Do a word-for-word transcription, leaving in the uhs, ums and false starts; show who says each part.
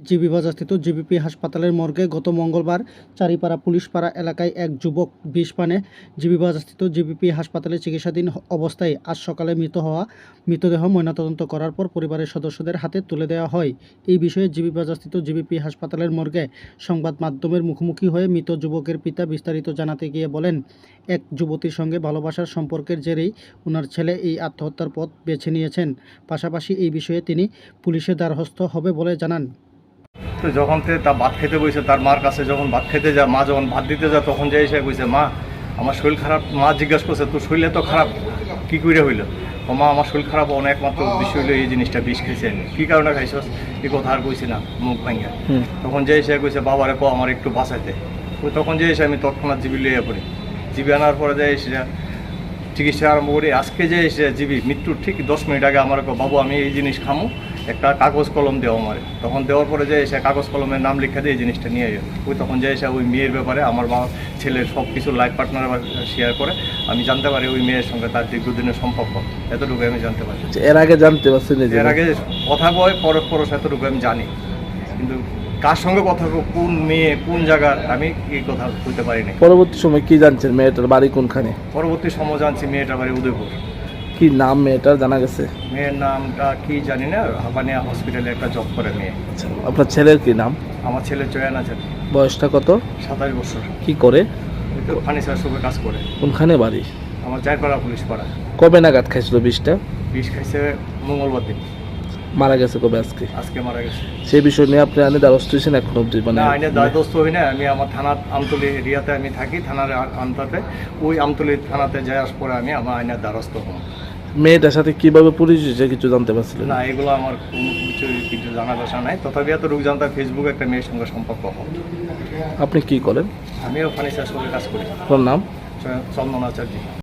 Speaker 1: GB বাজারস্থিত GBP হাসপাতালের মর্গে গত মঙ্গলবার চারিপাড়া পুলিশপাড়া এলাকায় এক যুবক বিষ পানে জিবি বাজারস্থিত জিবিপি হাসপাতালে চিকিৎসাধীন অবস্থায় আজ সকালে মৃত হওয়া মৃতদেহ ময়নাতদন্ত করার পর পরিবারের সদস্যদের হাতে তুলে দেওয়া হয়। এই বিষয়ে জিবি বাজারস্থিত জিবিপি হাসপাতালের মর্গে সংবাদ মাধ্যমের মুখোমুখি হয়ে মৃত যুবকের পিতা বিস্তারিত জানাতে গিয়ে বলেন, এক যুবতীর সঙ্গে ভালোবাসার সম্পর্কের জেরেই ওনার ছেলে এই আত্মহত্যার পথ বেছে নিয়েছেন। পাশাপাশি এই বিষয়ে তিনি পুলিশের দ্বারস্থ হবে বলে জানান।
Speaker 2: তো যখন তে তা ভাত খেতে বসে তার মার কাছে যখন ভাত খেতে যায়, মা যখন ভাত দিতে যায় তখন যে এসে কইছে, মা আমার শরীর খারাপ। মা জিজ্ঞাসা করছে, তোর শরীরে তো খারাপ কী করে হইলো? ও মা আমার শরীর খারাপ অনেক মাত্র উদ্দেশ্য হইলো এই জিনিসটা বিষ খেয়েছে। কী কারণে খাইছস এই কথা আর কইছি না মুখ ভাঙিয়া। তখন যে এসে কইছে, বাবারে কো আমার একটু বাঁচাইতে। তখন যে এসে আমি তৎক্ষণাৎ জিবি লিয়ে পড়ি। জিবি আনার পরে যে এসে চিকিৎসা আরম্ভ করি। আজকে যে এসে জিবি মৃত্যুর ঠিক দশ মিনিট আগে আমার বাবু আমি এই জিনিস খামো, একটা কাগজ কলম দেওয়া আমার। তখন দেওয়ার পরে যে এসে কাগজ কলমের নাম লিখে দিয়ে এই জিনিসটা নিয়ে যাই। ওই তখন যে এসে ওই মেয়ের ব্যাপারে আমার বাবা ছেলের সব কিছু লাইফ পার্টনার শেয়ার করে আমি জানতে পারি ওই মেয়ের সঙ্গে তার দীর্ঘদিনের সম্পর্ক। এতটুকু আমি জানতে পারি।
Speaker 3: এর আগে জানতে পারছেন?
Speaker 2: এর আগে কথা বয় পরশ পরশ এতটুকু আমি জানি, কিন্তু কার সঙ্গে কথা কোন মেয়ে কোন জায়গা আমি এই কথা বলতে পারি না।
Speaker 3: পরবর্তী সময় কি জানছেন মেয়েটার বাড়ি কোনখানে?
Speaker 2: পরবর্তী সময় জানছি মেয়েটার বাড়ি উদয়পুর।
Speaker 3: কি নাম মেয়েটার জানা গেছে?
Speaker 2: মেয়ের নামটা কি জানি না, হাবানিয়া হসপিটালে একটা জব করে মেয়ে।
Speaker 3: আচ্ছা, আপনার ছেলের কি নাম?
Speaker 2: আমার ছেলে চয়ন আছে।
Speaker 3: বয়সটা কত?
Speaker 2: সাতাশ বছর।
Speaker 3: কি করে?
Speaker 2: ফার্নিচার শপে কাজ করে।
Speaker 3: কোনখানে বাড়ি?
Speaker 2: আমার চারপাড়া পুলিশ পাড়া।
Speaker 3: কবে নাগাদ খাইছিল বিষটা?
Speaker 2: বিষ খাইছে মঙ্গলবার দিন।
Speaker 3: মারা গেছে কবে? আজকে
Speaker 2: আজকে মারা গেছে।
Speaker 3: সেই বিষয় নিয়ে আপনি আইনে দ্বারস্থ হয়েছেন এখন অব্দি? মানে
Speaker 2: না, আইনের দ্বারস্থ হই না। আমি আমার থানার আমতলী এরিয়াতে আমি থাকি, থানার আন্তাতে। ওই আমতলী থানাতে যাওয়ার পরে আমি আমার আইনের দ্বারস্থ হব।
Speaker 3: মেয়েটার সাথে কিভাবে পরিচয় কিছু জানতে পারছিলেন?
Speaker 2: না, এগুলো আমার কোনো কিছু কিছু জানার আশা নাই। তথাপি এত রোগ জানতাম ফেসবুকে একটা মেয়ের সঙ্গে সম্পর্ক হয়।
Speaker 3: আপনি কি করেন?
Speaker 2: আমিও ফার্নিচার শপে কাজ করি।
Speaker 3: আপনার নাম?
Speaker 2: চন্দন আচার্য।